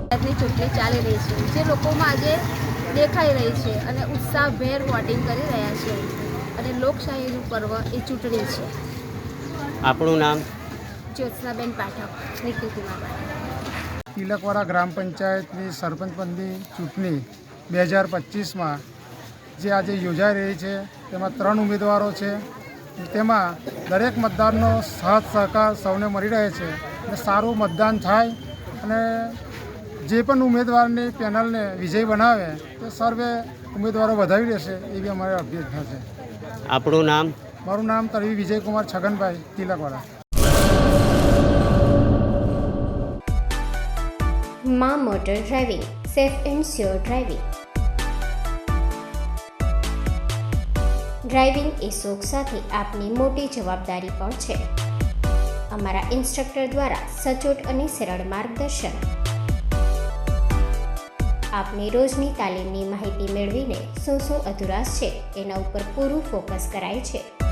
ચૂંટણી ચાલી રહી છે, જે લોકોમાં આજે દેખાઈ રહી છે અને ઉત્સાહભેર વોટિંગ કરી રહ્યા છે અને લોકશાહીનું પર્વ એ ચૂંટણી છે. આપણું નામ? જ્યોત્સનાબેન પાઠક, નિખિલકુમાર પાઠક. તિલકવાડા ગ્રામ પંચાયતની સરપંચ પદની ચૂંટણી 2025માં જે આજે યોજાઈ રહી છે તેમાં 3 ઉમેદવારો છે. તેમાં દરેક મતદારનો સાથ સહકાર સૌને મળી રહે છે અને સારું મતદાન થાય અને જે પણ ઉમેદવારની પેનલને વિજય બનાવે તે સર્વે ઉમેદવારો વધાવી દેશે એવી અમારી અભ્યર્થના છે. આપણું નામ? મારું નામ તરવી વિજયકુમાર છગનભાઈ, તિલકવાડા. માં motor driving, safe and sure driving. Driving એ શોખ સાથે આપની મોટી જવાબદારી પણ છે. અમારા ઇન્સ્ટ્રક્ટર દ્વારા સચોટ અને સરળ માર્ગદર્શન. આપની રોજની તાલીમની માહિતી મેળવીને શું અધુરાશ છે એના ઉપર પૂરું ફોકસ કરાય છે.